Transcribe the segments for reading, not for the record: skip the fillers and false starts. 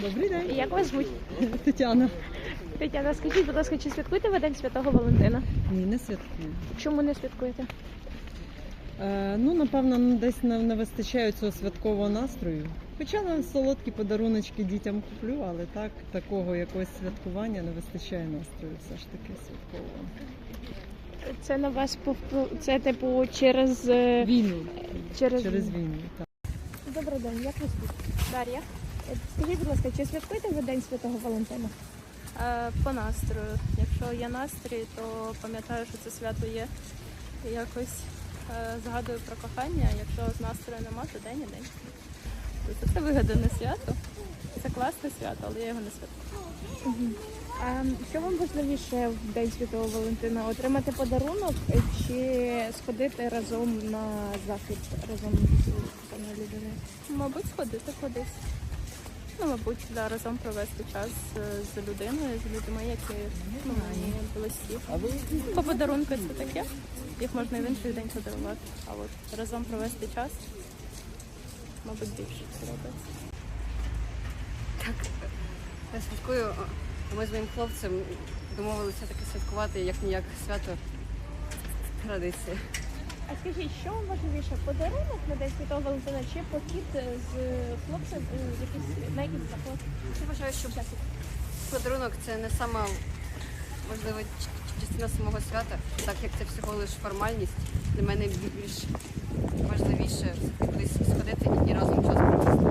Добрий день. Як вас звуть? Тетяна. Тетяна, скажіть, будь ласка, чи святкуєте ви День Святого Валентина? Ні, не святкую. Чому не святкуєте? Ну, напевно, десь не вистачає цього святкового настрою. Хоча на солодкі подаруночки дітям куплю, але так, такого якогось святкування не вистачає настрою все ж таки святкового. Це на вас це типу через Війну. через війну, так. Добрий день, як вас звуть? Дар'я. Скажіть, будь ласка, чи святкуєте ви День Святого Валентина? По настрою. Якщо є настрій, то пам'ятаю, що це свято є. І якось згадую про кохання. Якщо з настрою нема, то день і день. Тобто це вигадане свято. Це класне свято, але я його не святкую. А що вам важливіше в День Святого Валентина? Отримати подарунок чи сходити разом на захід разом з коханою людиною? Мабуть, сходити кудись. Ну, мабуть, да, разом провести час з людиною, з людьми, які мені близькі. По подарунку це таке. Їх можна і в інший день подарувати. А от разом провести час, мабуть, більше подобається. Так, я святкую. Ми з моїм хлопцем домовилися таке святкувати, як-ніяк свято традиція. А скажіть, що вам важливіше, подарунок на День Святого Валентина чи похід з хлопцем на якийсь заклад? Я вважаю, що подарунок це не сама важлива частина самого свята, так як це всього лише формальність. Для мене більш важливіше кудись сходити і разом час провести.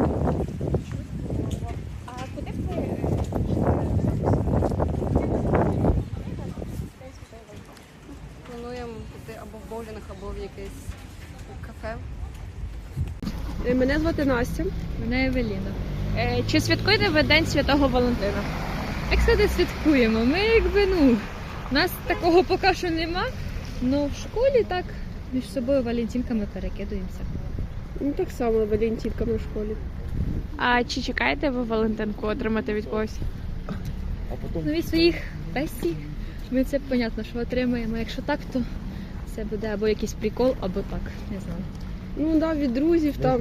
А куди б ви Плануємо піти або в боулінг, або в якесь кафе. Мене звати Настя. Мене Евеліна. Чи святкуєте ви День Святого Валентина? Як сказати, святкуємо. Ми у нас такого поки що нема, але в школі так між собою валентинками перекидуємося. Ну так само валентинками в школі. А чи чекаєте ви Валентинку отримати від когось? Ну, від своїх бестій ми це, понятно, що отримаємо. Якщо так, то це буде або якийсь прикол, або так, не знаю. Ну так, від друзів там.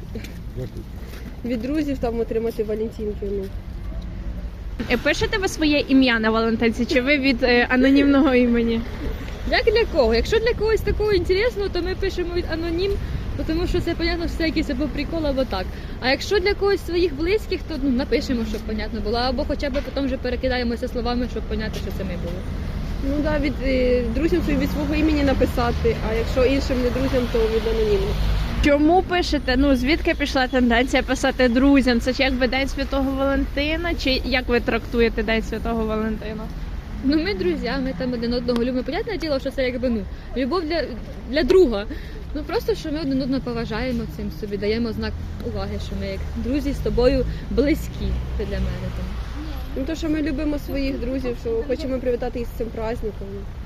Від друзів там отримати валентинки. Ну. Пишете ви своє ім'я на Валентинці, чи ви від анонімного імені? Як для кого? Якщо для когось такого інтересного, то ми пишемо від анонім, тому що це, понятно, що це якийсь або прикол, або так. А якщо для когось своїх близьких, то напишемо, щоб понятно було, або хоча б потім вже перекидаємося словами, щоб понятно, що це ми були. Ну так, від друзів своїх від свого імені написати, а якщо іншим не друзям, то від анонімних. Чому пишете? Ну, звідки пішла тенденція писати друзям? Це ж якби День Святого Валентина, чи як ви трактуєте День Святого Валентина? Ну, ми друзі, ми там один одного любимо. Понятне діло, що це якби, любов для друга. Ну, просто, що ми один одного поважаємо цим собі, даємо знак уваги, що ми як друзі з тобою близькі. Це для мене. Ну то, що ми любимо своїх друзів, що хочемо привітати їх з цим праздником.